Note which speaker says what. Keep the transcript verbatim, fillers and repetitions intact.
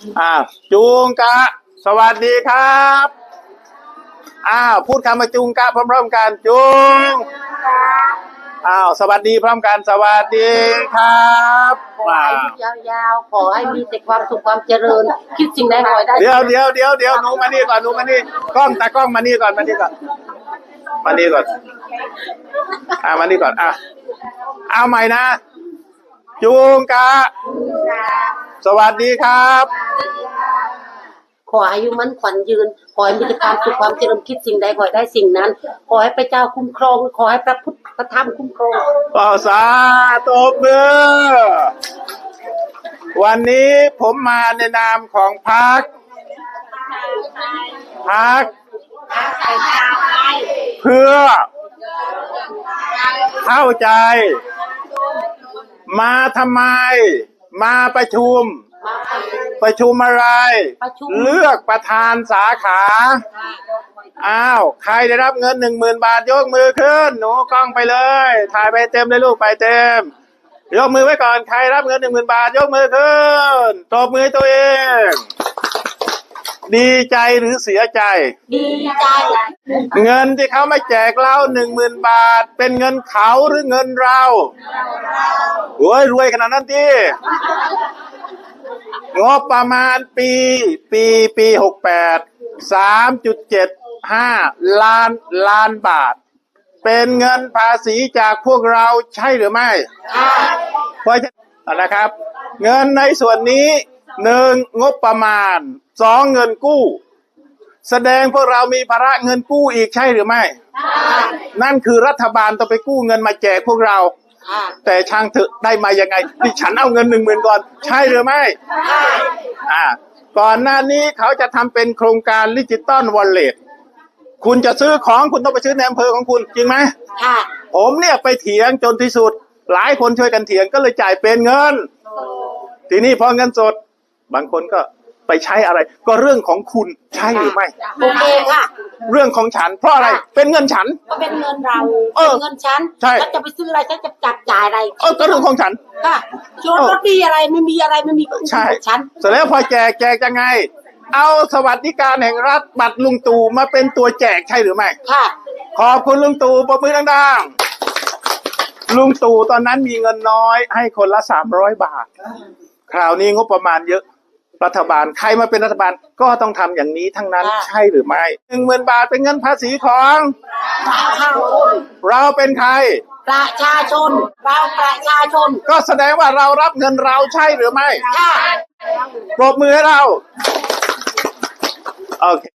Speaker 1: อ่าจูงกะสวัสดีครับอ้าวพูดคำว่าจูงกะพร้อมๆกันจูงอ้าวสวัสดีพร้อมกันสวัสดีครับ
Speaker 2: ขอให้ยาวๆขอให้มีแต่ความสุขความเจริญคิดสิ่งใดขอให้ได้
Speaker 1: เดี๋ยวเดี๋ยวเดี๋ยวเดี๋ยวหนูมานี่ก่อนหนูมานี่กล้องตากล้องมานี่ก่อนมานี่ก่อนมานี่ก่อนอ่ามานี่ก่อนอ่ะเอาใหม่นะจูงกะสวัสดีครับ
Speaker 2: ขออายุมั่นขวัญยืนขอให้มีแต่ความสุขความเจริญคิดสิ่งใดขอให้ได้สิ่งนั้นขอให้พระเจ้าคุ้มครองขอให้พระพุทธพระธรรมคุ้มครอง
Speaker 1: ต่อสาตบมือวันนี้ผมมาในนามของพรรคพรรคเพื่อเข้าใจมาทำไมมาประชุมประชุมอะไรเลือกประธานสาขาอ้าวใครได้รับเงินหนึ่งหมื่นบาทยกมือขึ้นหนูกล้องไปเลยถ่ายไปเต็มเลยลูกไปเต็มยกมือไว้ก่อนใครรับเงินหนึ่งหมื่นบาทยกมือขึ้นตบมือตัวเองดีใจหรือเสียใจ
Speaker 2: ดีใจ
Speaker 1: เงินที่เขามาแจกเราหนึ่งหมื่นบาทเป็นเงินเขาหรือเงินเราโอ้ยรวยขนาดนั้นที่งบประมาณปีปีปีหกแปดสามจุดเจ็ดห้าล้านล้านบาทเป็นเงินภาษีจากพวกเราใช่หรือไม่เพราะฉะนั้นนะครับเงินในส่วนนี้หนึ่งงบประมาณสองเงินกู้แสดงพวกเรามีภาระเงินกู้อีกใช่หรือไม่นั่นคือรัฐบาลต้องไปกู้เงินมาแจกพวกเราแต่ช่างเถอะได้มายังไงที่ฉันเอาเงินหนึ่งหมื่นก่อนใช่หรือไม่อ่าก่อนหน้านี้เขาจะทำเป็นโครงการดิจิตอลวอลเล็ตคุณจะซื้อของคุณต้องไปซื้อในอำเภอของคุณจริงไหม
Speaker 2: ค่ะ
Speaker 1: ผมเนี่ยไปเถียงจนที่สุดหลายคนช่วยกันเถียงก็เลยจ่ายเป็นเงินทีนี้พอเงินสดบางคนก็ไปใช้อะไรก็เรื่องของคุณใช่หรือไม่
Speaker 2: โอเคค่ะ
Speaker 1: เรื่องของฉันเพราะอะไรเป็นเงินฉัน
Speaker 2: ก็เป็นเงินเราเป็นเงินฉันฉันจะไปซื้ออะไรฉันจะจับจ่ายอะไร
Speaker 1: เออก็เรื่องของฉัน
Speaker 2: ค่ะชวนรถดีอะไรไม่มีอะไรไม่มี
Speaker 1: ใช่
Speaker 2: ฉัน
Speaker 1: เสร็จแล้วพอแจกแจกยังไงเอาสวัสดิการแห่งรัฐบัตรลุงตู่มาเป็นตัวแจกใช่หรือไม่
Speaker 2: ค่ะ
Speaker 1: ขอบคุณลุงตู่ปรบมือดังๆลุงตู่ตอนนั้นมีเงินน้อยให้คนละสามร้อยบาทคราวนี้งบประมาณเยอะรัฐบาลใครมาเป็นรัฐบาลก็ต้องทำอย่างนี้ทั้งนั้นใช่หรือไม่หนึ่งหมื่นบาทเป็นเงินภาษีของเราเป็นใคร
Speaker 2: ประชาชนเราประชาชน
Speaker 1: ก็แสดงว่าเรารับเงินเราใช่หรือไม่
Speaker 2: ใช่
Speaker 1: ปรบมือให้เราโอเค